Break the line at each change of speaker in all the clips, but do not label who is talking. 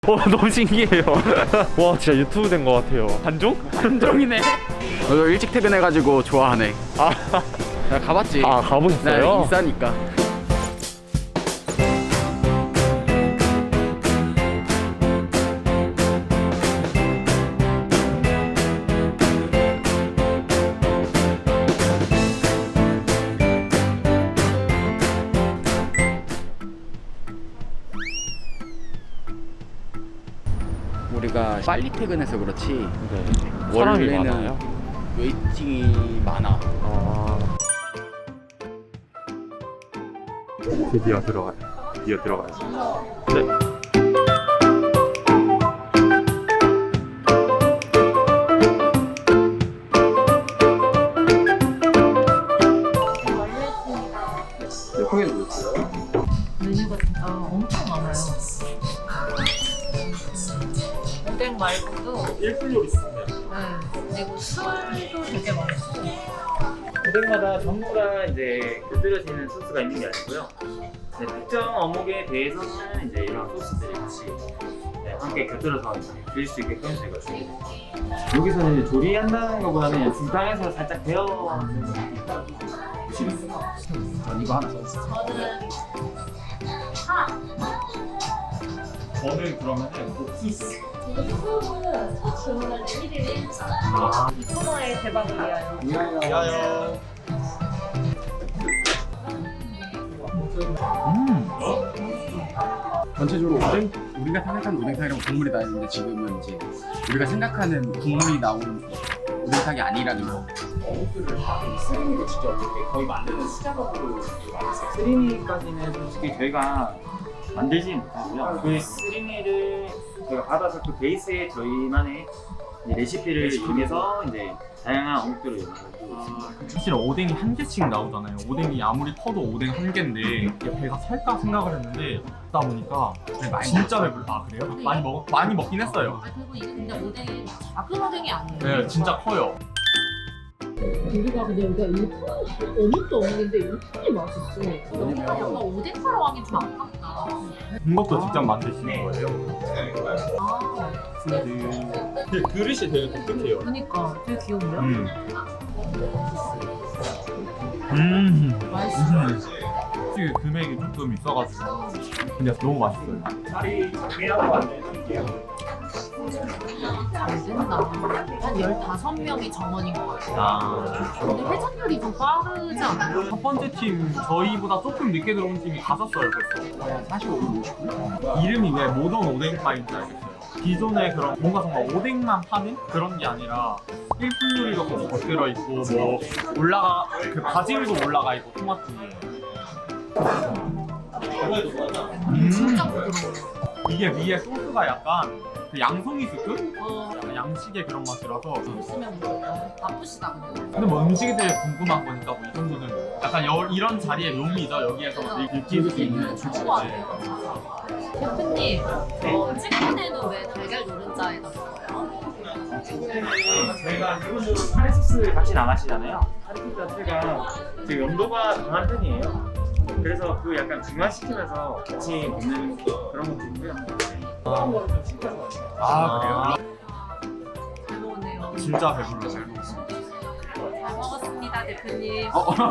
너무 신기해요. 와 진짜 유튜브 된 것 같아요. 한종?
한종이네. 너 일찍 퇴근해가지고 좋아하네. 나 가봤지.
가보셨어요?
나 인싸니까. 우리가 빨리 퇴근해서 그렇지.
네. 사람이
원래는
많아요?
웨이팅이 많아.
드디어 들어가요. 드디어 들어가요. 네.
메뉴가 진짜 엄청 많아요. 오뎅 말고도
1분 요리 있습니다.
그리고 술도 되게 많고.
오뎅마다 전부 다 이제 곁들여지는 소스가 있는 게 아니고요. 네, 특정 어묵에 대해서는 이제 이런 소스들이 같이 함께 곁들여서 드릴 수 있게끔 저희가 준비했습니다. 여기서는 이제 조리한다는 것보다는 중탕에서 살짝 데워는 보시겠습니다.
전 이거 하나 써.
저는 그러면은 옥수수.
이거 소금은 첫 주문할 때 1일 1차. 이 코너의 대박을 위하여.
야요.
전체적으로 오뎅, 우리가 생각하는 오뎅탕이랑 국물이 나는데 지금은 이제 우리가 생각하는 국물이 나오는 오뎅탕이 아니라는 거.
스리미도 직접 이렇게 거의 만드는 수작업으로 만드세요. 스리미까지는 솔직히 저희가 만들지 못하고요. 그 스리미를 저희가 받아서 그 베이스에 저희만의 이제 레시피를 이용해서 이제 다양한 어묵들을 연구하고 있습니다.
사실 오뎅이 한 개씩 나오잖아요. 오뎅이 아무리 커도 오뎅 한 개인데 이게 배가 살까 생각을 했는데 먹다 보니까 진짜 배불러. 아 그래요? 많이 먹긴 했어요.
그리고 이게 근데 오뎅이 작은 오뎅이 아니에요.
네, 진짜 커요.
우리가 근데 여기가 일품 어묵도 어묵인데 일품이 맛있어. 여기가 뭔가 오뎅 사러 가기 좀 아깝다.
이것도 직접 만드시는 거예요?
아,
그 그릇이 되게 독특해요.
그러니까 되게 귀여운데요? 맛있어.
솔직히 금액이 조금 있어가지고 근데 너무 맛있어요.
자리 정리하고 안내해드릴게요.
잘 된다. 한 15명이 정원인 것 같아요. 근데 회전율이 좀 빠르지 않아요?
첫 번째 팀 저희보다 조금 늦게 들어온 팀이 갔었어요 벌써.
45분 50분?
이름이 왜 모던 오뎅파인지 알겠어요. 기존에 그런 뭔가 정말 오뎅만 파는 그런 게 아니라 일품 요리가 같이 곁들여 있고 뭐 올라가 그 바질도 올라가 있고 토마토.
진짜 부드러워.
이게 위에 소스가 약간 그 양송이 스프? 약간 양식의 그런 맛이라서.
보시면 바쁘시다 근데.
근데 뭐 음식에 대해 궁금한 거니까 뭐 이 정도는 약간 이런 자리의 묘미죠. 여기에서 느낄 수 있는
좋은 것 같아요. 대표님, 찍을 때도 왜 달걀 노른자에 넣어요?
저희가 기본적으로 카레 소스 같이 나가시잖아요. 카레 소스 자체가 지금 염도가 강한 편이에요. 그래서 그 약간 중화시키면서 같이 먹는 그런 것도 있고요. 그런 거는 좀 신기한 것 같아요.
아
잘 먹었네요.
그래요? 진짜 배불러. 잘 먹었어요.
잘 먹었습니다, 대표님.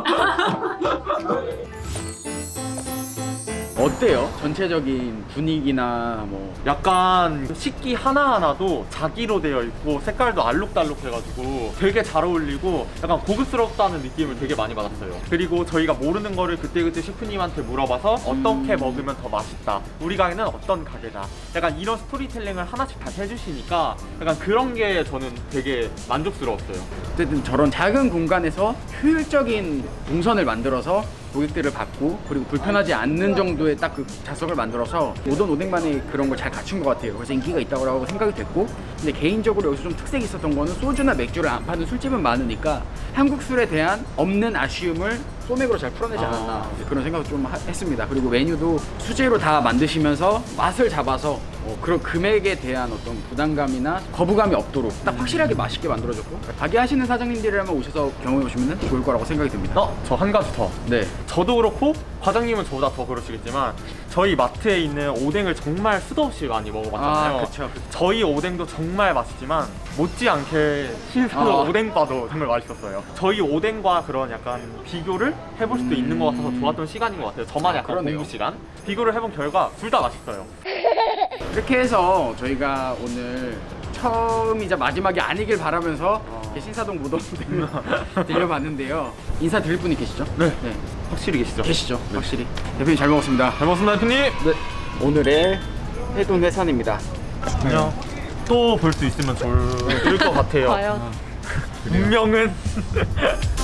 어때요? 전체적인 분위기나 뭐
약간 식기 하나하나도 자기로 되어 있고 색깔도 알록달록해가지고 되게 잘 어울리고 약간 고급스럽다는 느낌을 되게 많이 받았어요. 그리고 저희가 모르는 거를 그때그때 셰프님한테 물어봐서 어떻게 먹으면 더 맛있다, 우리 가게는 어떤 가게다, 약간 이런 스토리텔링을 하나씩 다 해주시니까 약간 그런 게 저는 되게 만족스러웠어요.
어쨌든 저런 작은 공간에서 효율적인 동선을 만들어서 고객들을 받고 그리고 불편하지 않는 정도의 딱 그 좌석을 만들어서 모던 오뎅만의 그런 걸 잘 갖춘 것 같아요. 그래서 인기가 있다고 생각이 됐고, 근데 개인적으로 여기서 좀 특색이 있었던 거는 소주나 맥주를 안 파는 술집은 많으니까 한국 술에 대한 없는 아쉬움을 소맥으로 잘 풀어내지 않았나 그런 생각을 좀 했습니다. 그리고 메뉴도 수제로 다 만드시면서 맛을 잡아서 그런 금액에 대한 어떤 부담감이나 거부감이 없도록 딱 확실하게 맛있게 만들어줬고, 가게 하시는 사장님들이라면 오셔서 경험해 보시면 좋을 거라고 생각이 듭니다.
저 한 가지 더.
네.
저도 그렇고 과장님은 저보다 더 그러시겠지만 저희 마트에 있는 오뎅을 정말 수도 없이 많이 먹어봤잖아요.
아, 그쵸.
저희 오뎅도 정말 맛있지만 못지않게 신사동
아.
오뎅바도 정말 맛있었어요. 저희 오뎅과 그런 약간 비교를 해볼 수도 있는 것 같아서 좋았던 시간인 것 같아요. 저만 약간
그러네요.
공부 시간 비교를 해본 결과 둘 다 맛있어요.
이렇게 해서 저희가 오늘 처음이자 마지막이 아니길 바라면서 이렇게 신사동 무덤을 들려봤는데요. 인사 드릴 분이 계시죠?
네. 확실히 계시죠?
계시죠? 확실히. 대표님 잘 먹었습니다.
잘 먹었습니다, 대표님.
네. 오늘의 해돈 해산입니다.
그냥 또 볼 수 있으면 좋을 것 같아요.
과연
운명은